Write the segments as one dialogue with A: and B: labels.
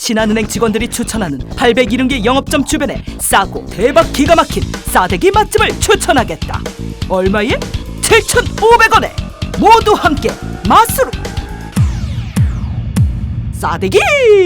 A: 신한은행 직원들이 추천하는 870개 영업점 주변에 싸고 대박 기가 막힌 싸대기 맛집을 추천하겠다. 얼마에? 7,500원에 모두 함께 맛으로 싸대기!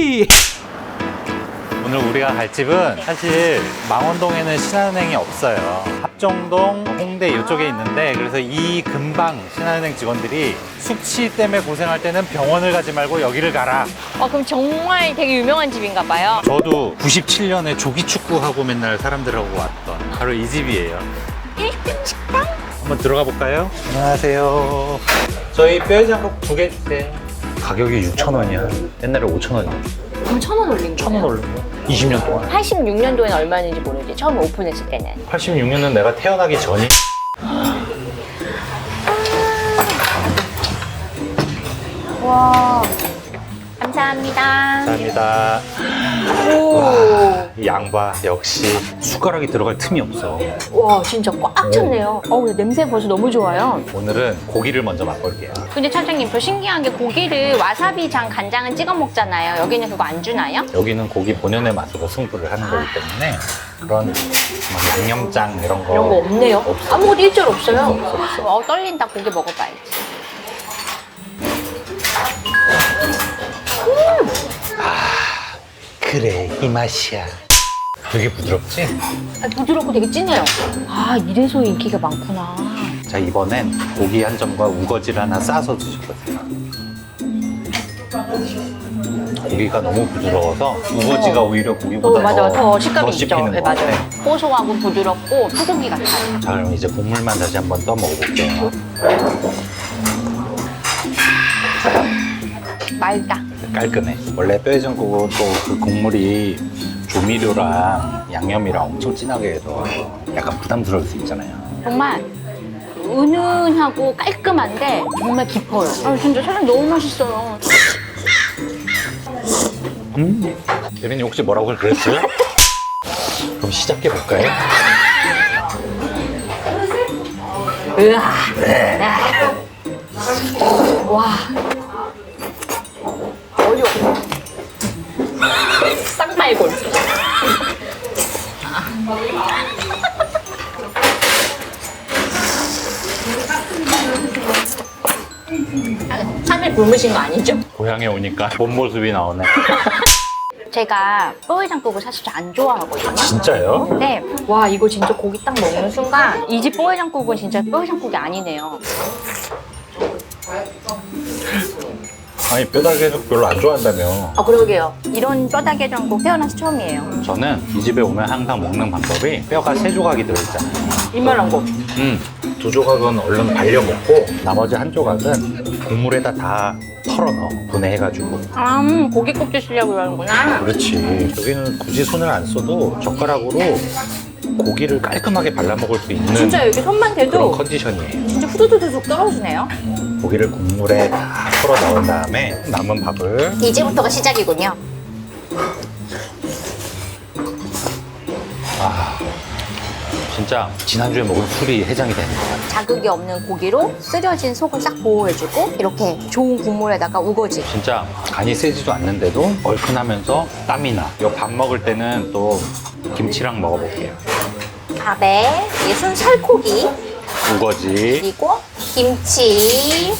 B: 오늘 우리가 갈 집은 사실 망원동에는 신한은행이 없어요. 합정동, 홍대 이쪽에 있는데, 그래서 이 근방 신한은행 직원들이 숙취 때문에 고생할 때는 병원을 가지 말고 여기를 가라.
C: 그럼 정말 되게 유명한 집인가 봐요.
B: 저도 97년에 조기축구하고 맨날 사람들하고 왔던 바로 이 집이에요.
C: 1등 식당?
B: 한번 들어가 볼까요? 안녕하세요. 저희 뼈해장국 2개 주세요. 가격이 6,000원이야. 옛날에 5,000원이야.
C: 그럼 1,000원 올린 거예요?
B: 1,000원 올린 거야. 20년 동안.
C: 86년도에는 얼마였는지 모르지. 처음에 오픈했을 때는.
B: 86년은 내가 태어나기 전이.
C: 와, 감사합니다.
B: 감사합니다.
C: 오,
B: 이 양봐, 역시 숟가락이 들어갈 틈이 없어.
C: 와, 진짜 꽉 찼네요. 근데 냄새 벌써 너무 좋아요.
B: 오늘은 고기를 먼저 맛볼게요.
C: 근데 차장님, 저 신기한 게 고기를 와사비장, 간장은 찍어 먹잖아요. 여기는 그거 안 주나요?
B: 여기는 고기 본연의 맛으로 승부를 하는 거기 때문에 그런 막 양념장 이런 거
C: 이런 거 없네요.
B: 없어.
C: 아무것도 일절 없어요.
B: 없어.
C: 떨린다. 고기 먹어봐야지.
B: 그래, 이 맛이야. 되게 부드럽지?
C: 부드럽고 되게 진해요. 이래서 인기가 많구나.
B: 자, 이번엔 고기 한 점과 우거지를 하나 싸서 드셔보세요. 고기가 너무 부드러워서 우거지가 오히려 고기보다
C: 맞아요. 더 식감이
B: 더
C: 있죠.
B: 씹히는
C: 네,
B: 것 같아.
C: 맞아요. 고소하고 부드럽고 소고기 같아요.
B: 자, 그럼 이제 국물만 다시 한번 떠 먹어볼게요.
C: 맑다.
B: 깔끔해. 원래 뼈해장국은 또 그 국물이 조미료랑 양념이랑 엄청 진하게 해서 약간 부담스러울 수 있잖아요.
C: 정말 은은하고 깔끔한데 정말 깊어요. 진짜 사장 너무 맛있어요.
B: 대리님 혹시 뭐라고 그랬어요? 그럼 시작해볼까요?
C: 으아. 와. 어려워. 쌍말골. 참외 굶으신 거 아니죠?
B: 고향에 오니까 본 모습이 나오네.
C: 제가 뼈해장국을 사실 잘 안 좋아하거든요.
B: 진짜요?
C: 근데 와, 이거 진짜 고기 딱 먹는 순간 이 집 뼈해장국은 진짜 뼈해장국이 아니네요.
B: 아니, 뼈다귀죽 별로 안 좋아한다며.
C: 그러게요. 이런 뼈다귀 해장국 태어나서 처음이에요.
B: 저는 이 집에 오면 항상 먹는 방법이 뼈가 3조각이 들어있잖아요.
C: 이만한 거.
B: 2조각은 얼른 발려 먹고 나머지 1조각은 국물에다 다 털어 넣어. 분해해가지고.
C: 고기 껍질 쓰려고 그러는구나.
B: 그렇지. 여기는 굳이 손을 안 써도 젓가락으로 고기를 깔끔하게 발라 먹을 수 있는
C: 진짜 여기 손만
B: 그런
C: 대도
B: 컨디션이에요.
C: 진짜 후두두둑 떨어지네요.
B: 고기를 국물에 다 털어 넣은 다음에 남은 밥을
C: 이제부터가 시작이군요.
B: 진짜 지난주에 먹은 술이 해장이 되는 것 같아요.
C: 자극이 없는 고기로 쓰려진 속을 싹 보호해주고 이렇게 좋은 국물에다가 우거지.
B: 진짜 간이 세지도 않는데도 얼큰하면서 땀이 나. 이 밥 먹을 때는 또 김치랑 먹어볼게요.
C: 밥에 예순 살코기
B: 우거지.
C: 그리고 김치.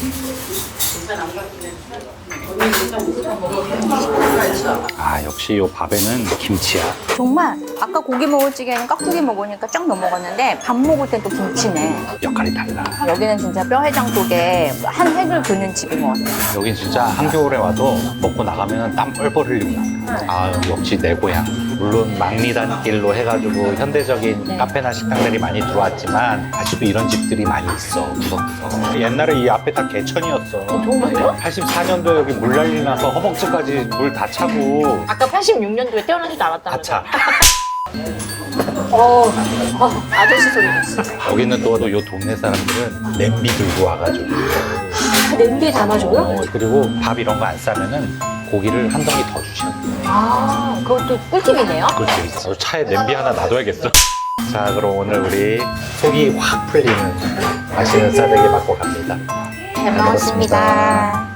B: 역시 이 밥에는 김치야.
C: 정말 아까 고기 먹을 찌개는 깍두기 먹으니까 쫙 넘어갔는데 밥 먹을 땐 또 김치네.
B: 역할이 달라.
C: 여기는 진짜 뼈해장국에 한 획을 그는 집인 것 같아요.
B: 여긴 진짜 한겨울에 와도 먹고 나가면 땀 뻘뻘 흘리고 나. 역시 내 고향. 물론 막리단길로 해가지고 현대적인 카페나 식당들이 많이 들어왔지만 아직도 이런 집들이 많이 있어. 구석구석. 옛날에 이 앞에 다 개천이었어.
C: 정말요?
B: 84년도에 여기 물난리 나서 허벅지까지 물 다 차고
C: 아까 86년도에 태어나지도
B: 다
C: 않았다면서요?
B: 차.
C: 아저씨 소리 났어.
B: 여기는 또 요 동네 사람들은 냄비 들고 와가지고
C: 냄비에 담아줘요?
B: 그리고 밥 이런 거 안 싸면은 고기를 한 덩이 더 주셔.
C: 그것도 꿀팁이네요.
B: 그렇지. 차에 냄비 하나 놔둬야겠어. 자, 그럼 오늘 우리 속이 확 풀리는 맛있는 싸대기 맛보 갑니다.
C: 잘 먹었습니다.